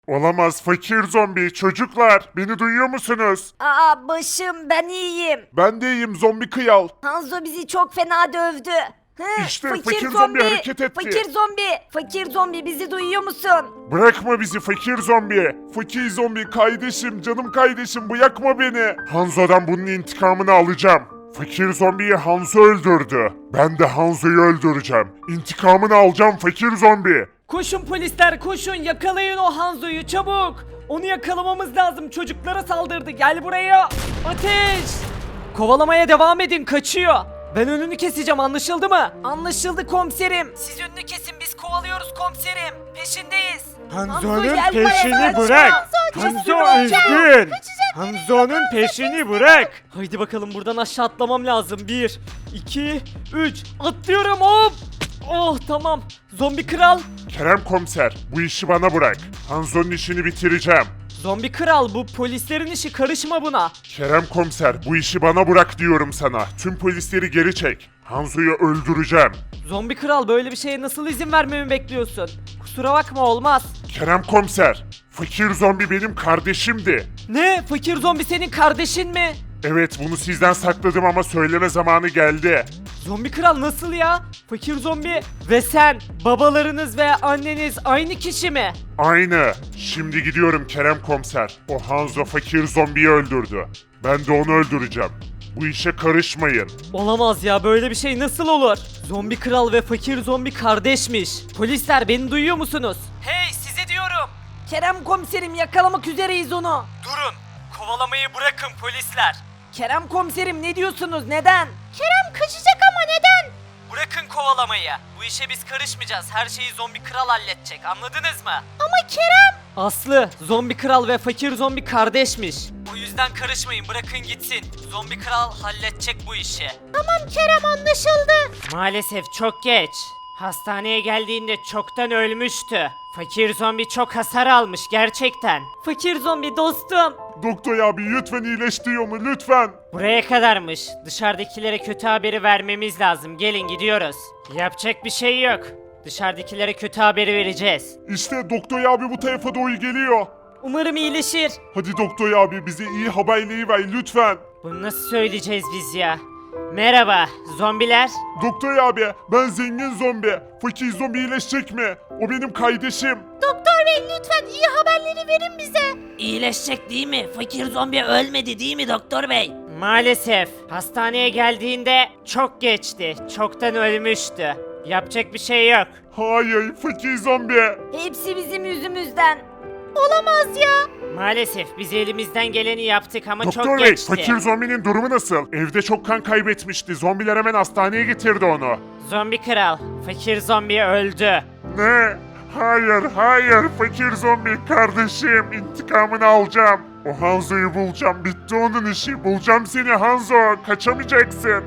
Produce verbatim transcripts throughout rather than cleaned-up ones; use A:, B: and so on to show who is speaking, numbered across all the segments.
A: Olamaz fakir zombi. Çocuklar beni duyuyor musunuz?
B: Aa başım, ben iyiyim.
A: Ben de iyiyim zombi kıyal.
B: Hanzo bizi çok fena dövdü. Hı,
A: İşte fakir zombi hareket etti.
B: Fakir zombi. Fakir zombi, bizi duyuyor musun?
A: Bırakma bizi fakir zombi. Fakir zombi kardeşim, canım kardeşim, bırakma beni. Hanzo'dan bunun intikamını alacağım. Fakir zombiyi Hanzo öldürdü. Ben de Hanzo'yu öldüreceğim. İntikamını alacağım fakir zombi.
C: Koşun polisler koşun, yakalayın o Hanzo'yu çabuk. Onu yakalamamız lazım, çocuklara saldırdı, gel buraya. Ateş! Kovalamaya devam edin, kaçıyor. Ben önünü keseceğim, anlaşıldı mı? Anlaşıldı komiserim. Siz önünü kesin, biz kovalıyoruz komiserim. Peşindeyiz.
D: Hanzo'nun
B: gel
D: peşini
B: buraya,
D: bırak.
B: Hanzo,
D: Hanzo üzgün. Hanzo'nun peşini bırak.
C: Haydi bakalım, buradan aşağı atlamam lazım. Bir, iki, üç. Atlıyorum, hop. Oh tamam. Zombi kral.
A: Kerem komiser, bu işi bana bırak. Hanzo'nun işini bitireceğim.
C: Zombi kral, bu polislerin işi, karışma buna.
A: Kerem komiser, bu işi bana bırak diyorum sana. Tüm polisleri geri çek. Hanzo'yu öldüreceğim.
C: Zombi kral, böyle bir şeye nasıl izin vermemi bekliyorsun? Kusura bakma, olmaz.
A: Kerem komiser, fakir zombi benim kardeşimdi.
C: Ne? Fakir zombi senin kardeşin mi?
A: Evet, bunu sizden sakladım ama söyleme zamanı geldi.
C: Zombi kral nasıl ya? Fakir zombi ve sen, babalarınız ve anneniz aynı kişi mi?
A: Aynı. Şimdi gidiyorum Kerem komiser. O Hanzo fakir zombiyi öldürdü. Ben de onu öldüreceğim. Bu işe karışmayın.
C: Olamaz ya, böyle bir şey nasıl olur? Zombi kral ve fakir zombi kardeşmiş. Polisler, beni duyuyor musunuz? Hey, size diyorum.
B: Kerem komiserim, yakalamak üzereyiz onu.
C: Durun. Kovalamayı bırakın polisler.
B: Kerem komiserim, ne diyorsunuz, neden?
E: Kerem kaçacak ama neden?
C: Bırakın kovalamayı. Bu işe biz karışmayacağız. Her şeyi zombi kral halledecek. Anladınız mı?
E: Ama Kerem...
C: Aslı, zombi kral ve fakir zombi kardeşmiş. O yüzden karışmayın, bırakın gitsin. Zombi kral halledecek bu işi.
E: Tamam Kerem, anlaşıldı.
C: Maalesef çok geç. Hastaneye geldiğinde çoktan ölmüştü. Fakir zombi çok hasar almış gerçekten. Fakir zombi dostum.
A: Doktor abi lütfen iyileştir onu lütfen.
C: Buraya kadarmış. Dışarıdakilere kötü haberi vermemiz lazım. Gelin gidiyoruz. Yapacak bir şey yok. Dışarıdakilere kötü haberi vereceğiz.
A: İşte doktor abi bu tarafa doğru geliyor.
C: Umarım iyileşir.
A: Hadi doktor abi bize iyi haberleri ver lütfen.
C: Bunu nasıl söyleyeceğiz biz ya? Merhaba zombiler.
A: Doktor abi ben zengin zombi. Fakir zombi iyileşecek mi? O benim kardeşim.
E: Doktor bey lütfen iyi haberleri verin bize.
F: İyileşecek değil mi? Fakir zombi ölmedi değil mi doktor bey?
C: Maalesef hastaneye geldiğinde çok geçti. Çoktan ölmüştü. Yapacak bir şey yok.
A: Hayır fakir zombi.
B: Hepsi bizim yüzümüzden.
E: Olamaz ya.
C: Maalesef biz elimizden geleni yaptık ama çok
A: Doktor bey
C: geçti.
A: fakir zombinin durumu nasıl? Evde çok kan kaybetmişti. Zombiler hemen hastaneye getirdi onu.
C: Zombi kral, fakir zombi öldü.
A: Ne? Hayır, hayır. Fakir zombi kardeşim. İntikamını alacağım. O Hanzo'yu bulacağım. Bitti onun işi. Bulacağım seni Hanzo. Kaçamayacaksın.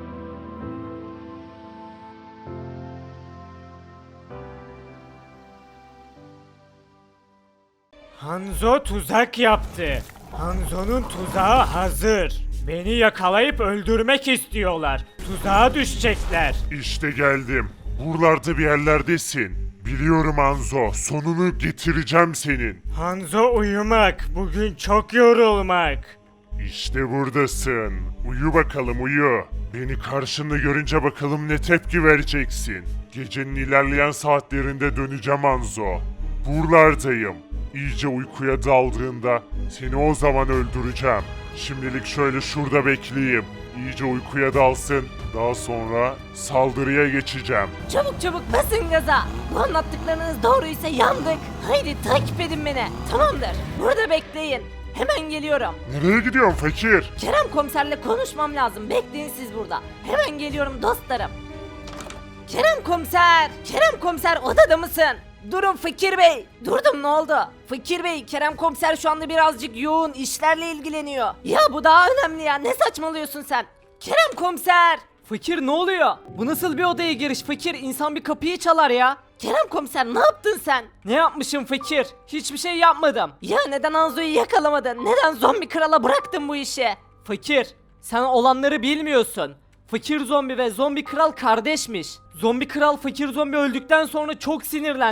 D: Hanzo tuzak yaptı. Hanzo'nun tuzağı hazır. Beni yakalayıp öldürmek istiyorlar. Tuzağa düşecekler.
A: İşte geldim. Buralarda bir yerlerdesin. Biliyorum Hanzo. Sonunu getireceğim senin.
D: Hanzo uyumak, bugün çok yorulmak.
A: İşte buradasın. Uyu bakalım uyu. Beni karşında görünce bakalım ne tepki vereceksin. Gecenin ilerleyen saatlerinde döneceğim Hanzo. Buralardayım. İyice uykuya daldığında seni o zaman öldüreceğim. Şimdilik şöyle şurada bekleyeyim. İyice uykuya dalsın. Daha sonra saldırıya geçeceğim.
B: Çabuk çabuk basın gaza. Bu anlattıklarınız doğruysa yandık. Haydi takip edin beni. Tamamdır. Burada bekleyin. Hemen geliyorum.
A: Nereye gidiyorsun fakir?
B: Kerem komiserle konuşmam lazım. Bekleyin siz burada. Hemen geliyorum dostlarım. Kerem komiser! Kerem komiser, odada mısın? Durun Fakir Bey. Durdum, ne oldu? Fakir Bey, Kerem komiser şu anda birazcık yoğun işlerle ilgileniyor. Ya bu daha önemli ya. Ne saçmalıyorsun sen? Kerem komiser!
C: Fakir ne oluyor? Bu nasıl bir odaya giriş fakir? İnsan bir kapıyı çalar ya.
B: Kerem komiser, ne yaptın sen?
C: Ne yapmışım fakir? Hiçbir şey yapmadım.
B: Ya neden Hanzo'yu yakalamadın? Neden zombi krala bıraktın bu işi?
C: Fakir, sen olanları bilmiyorsun. Fakir zombi ve zombi kral kardeşmiş. Zombi kral fakir zombi öldükten sonra çok sinirlendi.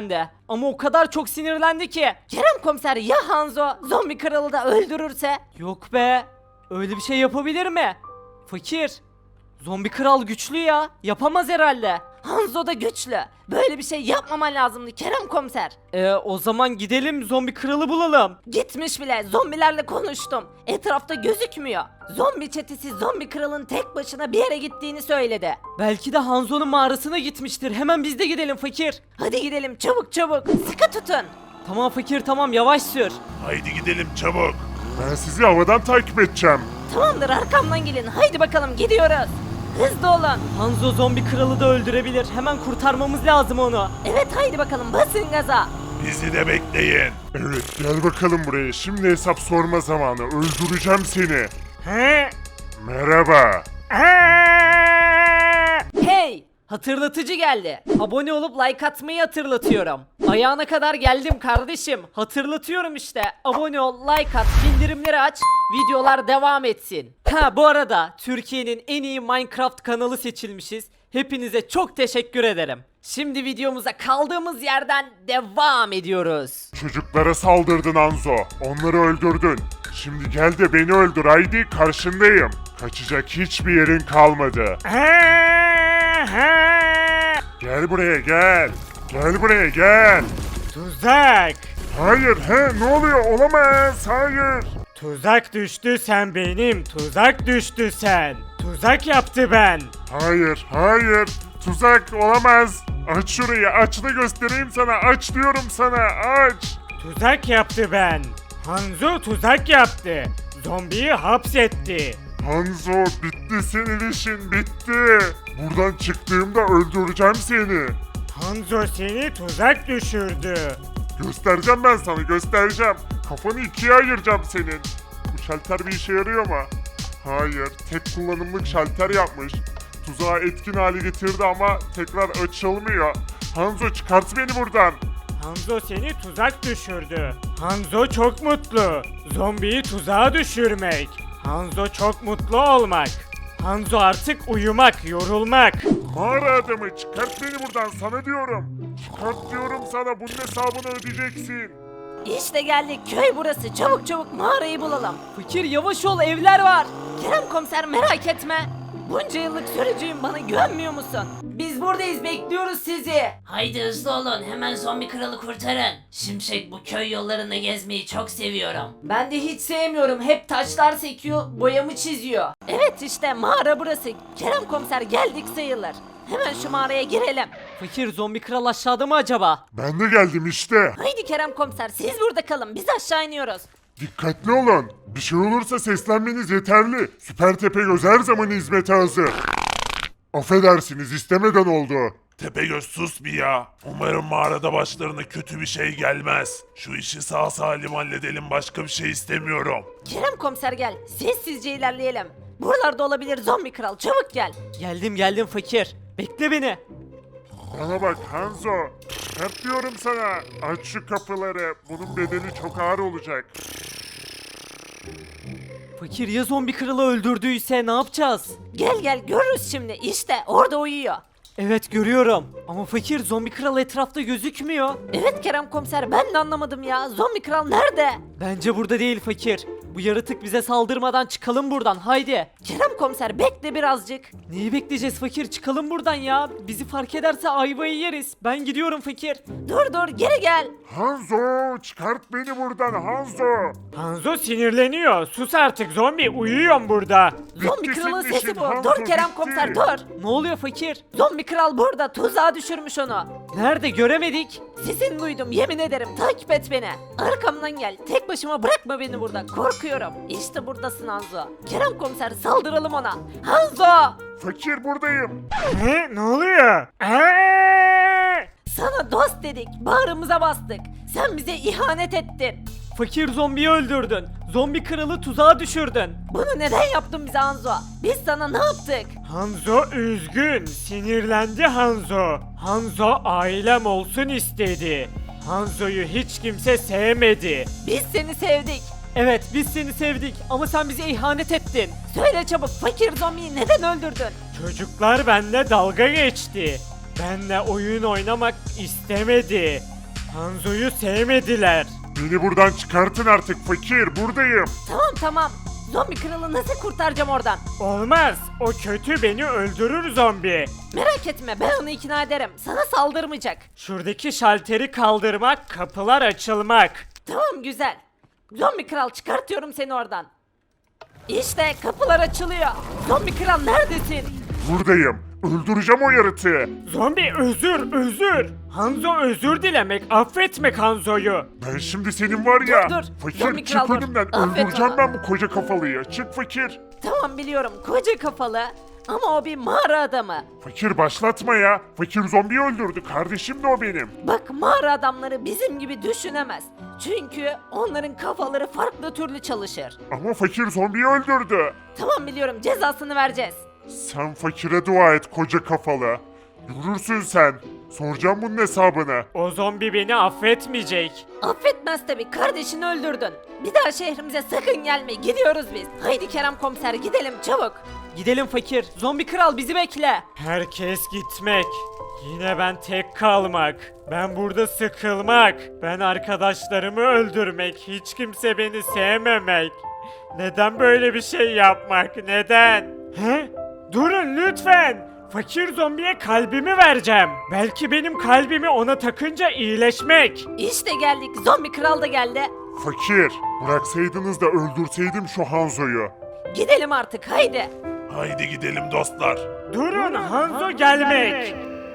C: ama o kadar çok sinirlendi ki.
B: Kerem komiser ya Hanzo zombi kralı da öldürürse?
C: Yok be. Öyle bir şey yapabilir mi? Fakir. Zombi kral güçlü ya. Yapamaz herhalde.
B: Hanzo da güçlü. Böyle bir şey yapmaman lazımdı Kerem komiser.
C: Ee, o zaman gidelim zombi kralı bulalım.
B: Gitmiş bile, zombilerle konuştum. Etrafta gözükmüyor. Zombi çetesi zombi kralın tek başına bir yere gittiğini söyledi.
C: Belki de Hanzo'nun mağarasına gitmiştir. Hemen biz de gidelim fakir.
B: Hadi gidelim çabuk çabuk. Sıkı tutun.
C: Tamam fakir tamam yavaş sür.
A: Haydi gidelim çabuk. Ben sizi havadan takip edeceğim.
B: Tamamdır arkamdan gelin. Haydi bakalım gidiyoruz. Hızlı olun.
C: Hanzo zombi kralı da öldürebilir. Hemen kurtarmamız lazım onu.
B: Evet haydi bakalım basın gaza.
A: Bizi de bekleyin. Evet gel bakalım buraya. Şimdi hesap sorma zamanı. Öldüreceğim seni.
D: He?
A: Merhaba.
D: Aa!
C: Hey! Hatırlatıcı geldi. Abone olup like atmayı hatırlatıyorum. Ayağına kadar geldim kardeşim. Hatırlatıyorum işte. Abone ol, like at, bildirimleri aç. Videolar devam etsin. Ha bu arada Türkiye'nin en iyi Minecraft kanalı seçilmişiz. Hepinize çok teşekkür ederim. Şimdi videomuza kaldığımız yerden devam ediyoruz.
A: Çocuklara saldırdın Anzo. Onları öldürdün. Şimdi gel de beni öldür haydi karşındayım. Kaçacak hiçbir yerin kalmadı. Gel buraya gel. Gel buraya gel.
D: Tuzak.
A: Hayır he ne oluyor olamaz hayır.
D: Tuzak düştü sen benim. Tuzak düştü sen. Tuzak yaptı ben.
A: Hayır hayır tuzak olamaz. Aç şurayı aç da göstereyim sana aç diyorum sana aç.
D: Tuzak yaptı ben. Hanzo tuzak yaptı. Zombiyi hapsetti.
A: Hanzo bitti senin işin bitti. Buradan çıktığımda öldüreceğim seni.
D: Hanzo seni tuzak düşürdü.
A: Göstereceğim ben sana göstereceğim. Kafanı ikiye ayıracağım senin. Bu şalter bir işe yarıyor mu? Hayır tek kullanımlık şalter yapmış. Tuzağı etkin hale getirdi ama tekrar açılmıyor. Hanzo çıkart beni buradan.
D: Hanzo seni tuzak düşürdü. Hanzo çok mutlu. Zombiyi tuzağa düşürmek. Hanzo çok mutlu olmak. Hanzo artık uyumak, yorulmak.
A: Mağara adamı çıkart beni buradan sana diyorum. Çıkart diyorum sana bunun hesabını ödeyeceksin.
B: İşte geldik köy burası. Çabuk çabuk mağarayı bulalım.
C: Fakir yavaş ol evler var.
B: Kerem komiser merak etme. Bunca yıllık sürücüyüm bana güvenmiyor musun? Biz buradayız bekliyoruz sizi.
F: Haydi hızlı olun hemen zombi kralı kurtarın. Şimşek bu köy yollarında gezmeyi çok seviyorum.
B: Ben de hiç sevmiyorum. Hep taşlar sekiyor, boyamı çiziyor. Evet işte mağara burası. Kerem komiser geldik sayılır. Hemen şu mağaraya girelim.
C: Fakir zombi kral aşağıda mı acaba?
A: Ben de geldim işte.
B: Haydi Kerem komiser siz burada kalın. Biz aşağı iniyoruz.
A: Dikkatli olun. Bir şey olursa seslenmeniz yeterli. Süper Tepegöz her zaman hizmete hazır. Affedersiniz istemeden oldu.
G: Tepegöz sus bir ya. Umarım mağarada başlarına kötü bir şey gelmez. Şu işi sağ salim halledelim başka bir şey istemiyorum.
B: Kerem komiser gel. Sessizce ilerleyelim. Buralarda olabilir zombi kral. Çabuk gel.
C: Geldim geldim fakir. Bekle beni.
A: Bana bak Hanzo. Hep diyorum sana. Aç şu kapıları. Bunun bedeli çok ağır olacak.
C: Fakir ya zombi kralı öldürdüyse ne yapacağız?
B: Gel gel görürüz şimdi. İşte orada uyuyor.
C: Evet görüyorum. Ama fakir zombi kral etrafta gözükmüyor.
B: Evet Kerem komiser ben de anlamadım ya. Zombi kral nerede?
C: Bence burada değil fakir. Bu yaratık bize saldırmadan çıkalım buradan haydi.
B: Kerem komiser bekle birazcık.
C: Neyi bekleyeceğiz fakir çıkalım buradan ya. Bizi fark ederse ayvayı yeriz. Ben gidiyorum fakir.
B: Dur dur geri gel.
A: Hanzo çıkart beni buradan Hanzo.
D: Hanzo sinirleniyor. Sus artık zombi, uyuyorum burada.
B: Zombi
A: Bitti
B: kralın
A: senin
B: sesi
A: işin,
B: bu.
A: Hanzo,
B: Dur Kerem
A: bitti.
B: komiser dur.
C: Ne oluyor fakir?
B: Zombi kral burada. Tuzağa düşürmüş onu.
C: Nerede göremedik.
B: Sesini duydum yemin ederim. Takip et beni. Arkamdan gel. Tek başıma bırakma beni burada. Korkuyorum. İşte buradasın Hanzo. Kerem komiser saldıralım ona. Hanzo!
A: Fakir buradayım.
D: He, ne oluyor? Aa!
B: Sana dost dedik. Bağrımıza bastık. Sen bize ihanet ettin.
C: Fakir zombiyi öldürdün. Zombi kralı tuzağa düşürdün.
B: Bunu neden yaptın bize Hanzo? Biz sana ne yaptık?
D: Hanzo üzgün, sinirlendi Hanzo. Hanzo ailem olsun istedi. Hanzo'yu hiç kimse sevmedi.
B: Biz seni sevdik.
C: Evet biz seni sevdik ama sen bize ihanet ettin.
B: Söyle çabuk fakir zombiyi neden öldürdün?
D: Çocuklar benimle dalga geçti. Benle oyun oynamak istemedi. Hanzo'yu sevmediler.
A: Beni buradan çıkartın artık fakir, buradayım.
B: Tamam tamam. Zombi kralı nasıl kurtaracağım oradan?
D: Olmaz. O kötü, beni öldürür zombi.
B: Merak etme ben onu ikna ederim. Sana saldırmayacak.
D: Şuradaki şalteri kaldırmak, kapılar açılmak.
B: Tamam güzel. Zombi kral çıkartıyorum seni oradan. İşte kapılar açılıyor. Zombi kral neredesin?
A: Buradayım. Öldüreceğim o yaratığı.
D: Zombi özür, özür. Hanzo özür dilemek, affetmek Hanzo'yu.
A: Ben şimdi senin var ya.
B: Dur, dur.
A: Fakir
B: Zombi
A: çık
B: kral dur.
A: önümden.
B: Affet
A: Öldüreceğim
B: onu.
A: ben bu koca kafalıyı. Çık fakir.
B: Tamam biliyorum koca kafalı. Ama o bir mağara adamı.
A: Fakir başlatma ya. Fakir zombiyi öldürdü. Kardeşim de o benim.
B: Bak mağara adamları bizim gibi düşünemez. Çünkü onların kafaları farklı türlü çalışır.
A: Ama fakir zombiyi öldürdü.
B: Tamam biliyorum cezasını vereceğiz.
A: Sen fakire dua et koca kafalı. Görürsün sen. Soracağım bunun hesabını.
D: O zombi beni affetmeyecek.
B: Affetmez tabi kardeşini öldürdün. Bir daha şehrimize sakın gelme gidiyoruz biz. Haydi Kerem komiser gidelim çabuk.
C: Gidelim fakir. Zombi kral bizi bekle.
D: Herkes gitmek. Yine ben tek kalmak. Ben burada sıkılmak. Ben arkadaşlarımı öldürmek. Hiç kimse beni sevmemek. Neden böyle bir şey yapmak? Neden? He? Durun lütfen. Fakir zombiye kalbimi vereceğim. Belki benim kalbimi ona takınca iyileşmek.
B: İşte geldik zombi kral da geldi.
A: Fakir. Bıraksaydınız da öldürseydim şu Hanzo'yu.
B: Gidelim artık haydi.
G: Haydi gidelim dostlar.
D: Durun Hanzo gelmek.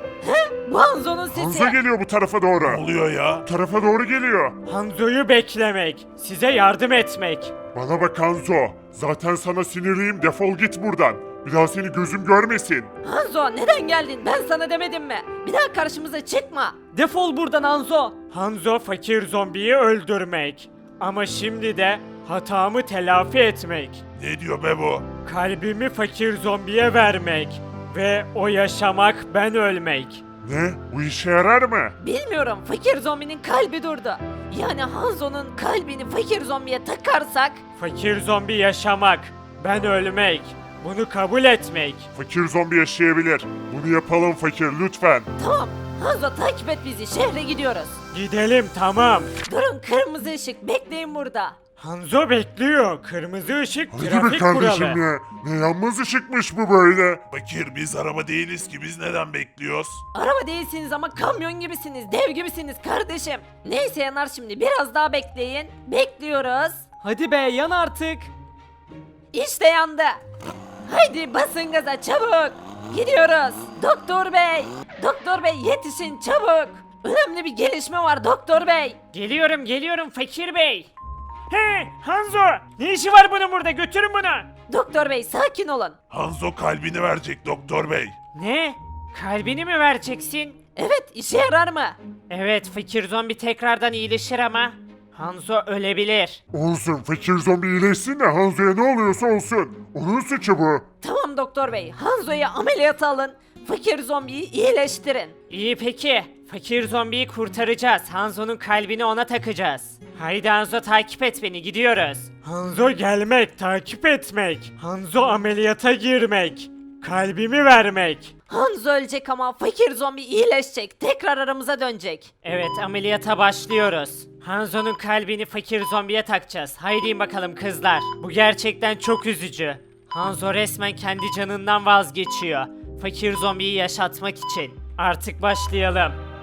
B: Bu Hanzo'nun sesi.
A: Hanzo geliyor bu tarafa
G: Ne
A: doğru.
G: oluyor ya?
A: Bu tarafa doğru geliyor.
D: Hanzo'yu beklemek. Size yardım etmek.
A: Bana bak Hanzo. Zaten sana sinirliyim. Defol git buradan. Bir daha seni gözüm görmesin.
B: Hanzo neden geldin ben sana demedim mi? Bir daha karşımıza çıkma.
C: Defol buradan Hanzo.
D: Hanzo fakir zombiyi öldürmek. Ama şimdi de hatamı telafi etmek.
G: Ne diyor be bu?
D: Kalbimi fakir zombiye vermek. Ve o yaşamak, ben ölmek.
A: Ne? Bu işe yarar mı?
B: Bilmiyorum fakir zombinin kalbi durdu. Yani Hanzo'nun kalbini fakir zombiye takarsak
D: Fakir zombi yaşamak, ben ölmek. Bunu kabul etmek.
A: Fakir zombi yaşayabilir. Bunu yapalım fakir lütfen.
B: tamam. Hanzo takip et bizi şehre gidiyoruz.
D: Gidelim tamam.
B: Durun kırmızı ışık bekleyin burada.
D: Hanzo bekliyor. Kırmızı ışık
A: Hadi be
D: trafik
A: kardeşim
D: kuralı.
A: ya. Ne yanmaz ışıkmış bu böyle.
G: Fakir biz araba değiliz ki biz neden bekliyoruz?
B: Araba değilsiniz ama kamyon gibisiniz, dev gibisiniz kardeşim. Neyse yanar şimdi biraz daha bekleyin. Bekliyoruz.
C: Hadi be yan artık.
B: İşte yandı. Haydi basın gaza çabuk. Gidiyoruz. Doktor bey. Doktor bey yetişin çabuk. Önemli bir gelişme var doktor bey.
D: Geliyorum geliyorum fakir bey. He Hanzo, ne işi var bunun burada, götürün bunu.
B: Doktor bey sakin olun.
G: Hanzo kalbini verecek doktor bey.
D: Ne? Kalbini mi vereceksin?
B: Evet işe yarar mı?
D: Evet, fakir zombi tekrardan iyileşir ama Hanzo ölebilir.
A: Olsun fakir zombi iyileşsin de Hanzo'ya ne oluyorsa olsun. Onun suçu bu.
B: Tamam doktor bey. Hanzo'yu ameliyata alın. Fakir zombiyi iyileştirin.
D: İyi peki. Fakir zombiyi kurtaracağız. Hanzo'nun kalbini ona takacağız. Haydi Hanzo takip et beni, gidiyoruz. Hanzo gelmek, takip etmek. Hanzo ameliyata girmek. Kalbimi vermek.
B: Hanzo ölecek ama fakir zombi iyileşecek. Tekrar aramıza dönecek.
D: Evet, ameliyata başlıyoruz. Hanzo'nun kalbini fakir zombiye takacağız. Haydi bakalım kızlar. Bu gerçekten çok üzücü. Hanzo resmen kendi canından vazgeçiyor. Fakir zombiyi yaşatmak için. Artık başlayalım.